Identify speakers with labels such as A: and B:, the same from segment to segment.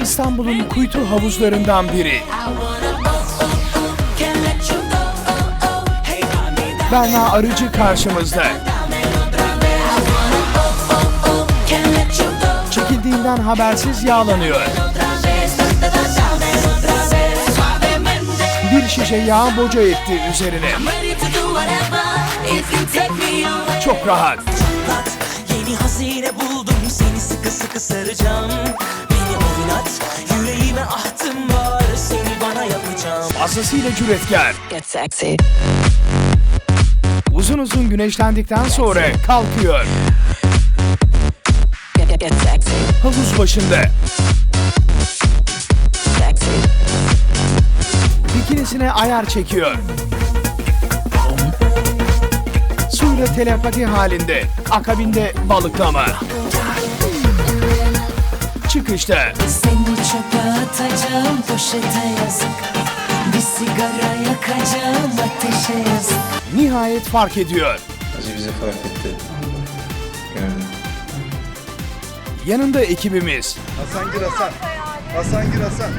A: İstanbul'un kuytu havuzlarından biri. Berna Arıcı karşımızda. Çekildiğinden habersiz yağlanıyor. Bir şişe yağ boca etti üzerine. Çok rahat.
B: Yeni hazine buldum, seni sıkı sıkı saracağım. Beni oynat, yüreğime ahtım var, seni bana yapacağım.
A: Fazlasıyla cüretkar.
B: Get sexy.
A: Uzun uzun güneşlendikten sonra kalkıyor.
B: Get sexy.
A: Havuz başında.
B: Sexy.
A: Bikinisine ayar çekiyor. Suyla telepati halinde. Akabinde balıklama. Çıkışta.
B: Seni çöpe atacağım, poşete yazık. Bir sigara yakacağım, ateşe yazık.
A: Nihayet fark ediyor.
C: Acı bizi fark etti. Gördüm.
A: Yanında ekibimiz.
D: Hasan Gür Hasan. Hasan Gür Hasan.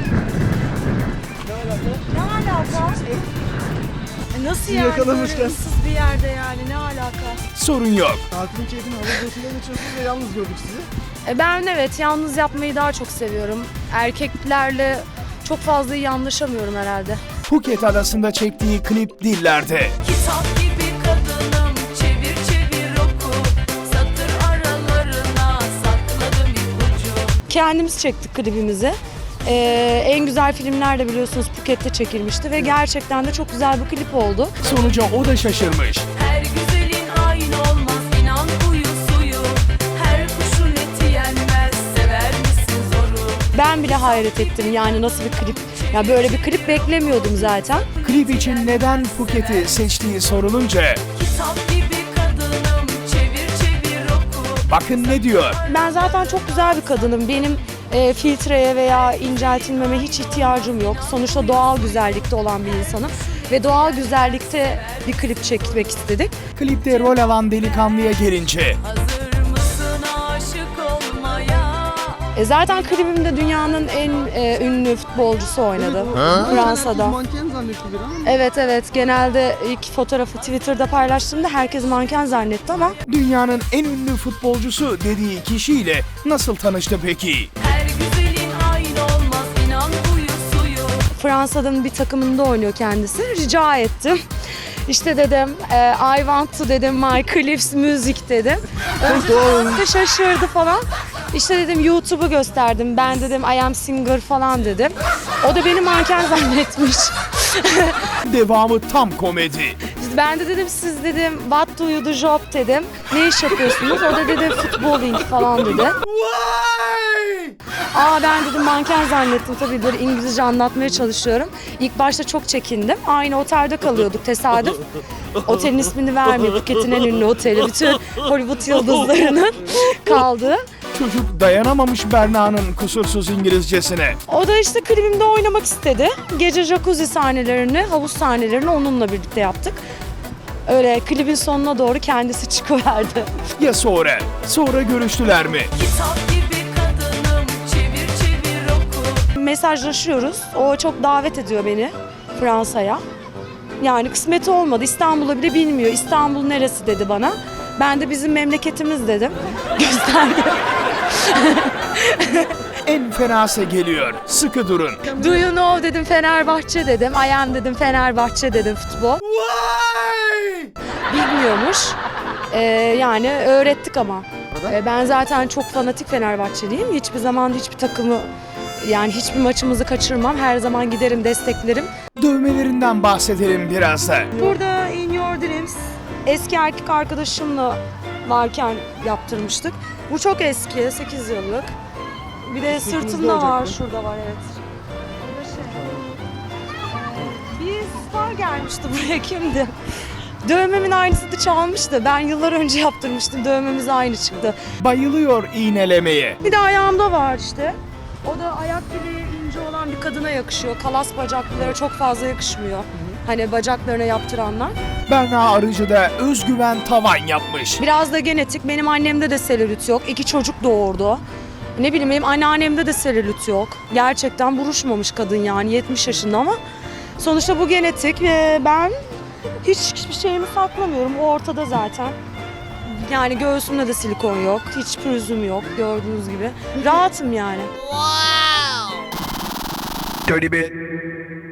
E: Ne alaka? Nasıl yani
D: yakalamışken.
E: böyle ıssız bir yerde yani ne alaka?
A: Sorun yok.
D: Tatilin keyfini havuz başında geçiyorsunuz ve yalnız gördük sizi.
E: Ben evet yalnız yapmayı daha çok seviyorum. Erkeklerle çok fazla iyi anlaşamıyorum herhalde.
A: Phuket adasında çektiği klip dillerde.
F: Kitap gibi kadınım, çevir çevir oku, satır aralarına sakladım ipucu.
E: Kendimiz çektik klibimizi. En güzel filmler de biliyorsunuz Phuket'te çekilmişti ve gerçekten de çok güzel bir klip oldu.
A: Sonuca o da şaşırmış.
F: Her güzelin aynı olmaz, inan huyu suyu. Her kuşun eti yenmez, sever misin zoru?
E: Ben bile hayret ettim yani nasıl bir klip. Ya böyle bir klip beklemiyordum zaten.
A: Klip için neden Phuket'i seçtiği sorulunca
F: Kitap gibi kadınım, çevir çevir oku.
A: bakın ne diyor.
E: Ben zaten çok güzel bir kadınım. Benim filtreye veya inceltilmeme hiç ihtiyacım yok. Sonuçta doğal güzellikte olan bir insanım. Ve doğal güzellikte bir klip çekmek istedik.
A: Klipte rol alan delikanlıya gelince
F: Hazır mısın aşık olmaya?
E: Zaten klibimde dünyanın en ünlü futbolcusu oynadı. Fransa'da.
D: Manken zannetti bir ama.
E: Evet genelde ilk fotoğrafı Twitter'da paylaştığımda herkes manken zannetti ama
A: dünyanın en ünlü futbolcusu dediği kişiyle nasıl tanıştı peki?
F: Her güzelin aynı olmaz, inan huyu suyu.
E: Fransa'nın bir takımında oynuyor kendisi. Rica ettim. İşte dedim I want to dedim my clips music dedim. Önce şaşırdı falan. İşte dedim YouTube'u gösterdim. Ben dedim I am singer falan dedim. O da beni manken zannetmiş.
A: Devamı tam komedi.
E: Ben de dedim siz dedim what do you do job dedim. Ne iş yapıyorsunuz? O da dedi futboling falan dedi. Ben dedim manken zannettim tabii böyle İngilizce anlatmaya çalışıyorum. İlk başta çok çekindim. Aynı otelde kalıyorduk tesadüf. Otelin ismini vermiyor. Phuket'in en ünlü oteli. Bütün Hollywood yıldızlarının kaldığı.
A: Çocuk dayanamamış Berna'nın kusursuz İngilizcesine.
E: O da işte klibimde oynamak istedi. Gece jacuzzi sahnelerini, havuz sahnelerini onunla birlikte yaptık. Öyle klibin sonuna doğru kendisi çıkıverdi.
A: Ya sonra? Sonra görüştüler mi?
F: Kitap gibi kadınım, çevir çevir oku.
E: Mesajlaşıyoruz. O çok davet ediyor beni Fransa'ya. Yani kısmeti olmadı. İstanbul'u bile bilmiyor. İstanbul neresi dedi bana. Ben de bizim memleketimiz dedim. Gösterdi.
A: En fenası geliyor. Sıkı durun.
E: Do you know dedim Fenerbahçe dedim. I am dedim Fenerbahçe dedim futbol. Bilmiyormuş. Yani öğrettik ama. Ben zaten çok fanatik Fenerbahçeliyim. Hiçbir zaman hiçbir takımı yani hiçbir maçımızı kaçırmam. Her zaman giderim desteklerim.
A: Dövmelerinden bahsedelim biraz da.
E: Burada In Your Dreams eski erkek arkadaşımla varken yaptırmıştık. Bu çok eski, 8 yıllık. Bir de sırtımda var, şurada var evet. Burada bir star gelmişti buraya, kimdi? Dövmemin aynısını çalmıştı. Ben yıllar önce yaptırmıştım, dövmemiz aynı çıktı.
A: Bayılıyor iğnelemeye.
E: Bir de ayağımda var işte. O da ayak bileği ince olan bir kadına yakışıyor. Kalas bacaklılara çok fazla yakışmıyor. Hani bacaklarına yaptıranlar.
A: Berna Arıcı da özgüven tavan yapmış.
E: Biraz da genetik. Benim annemde de selülit yok. 2 çocuk doğurdu. Ne bileyim benim anneannemde de selülit yok. Gerçekten buruşmamış kadın yani 70 yaşında ama sonuçta bu genetik ve ben hiçbir şeyimi saklamıyorum. O ortada zaten. Yani göğsümde de silikon yok. Hiç pürüzüm yok gördüğünüz gibi. Rahatım yani.
A: Dirty bit.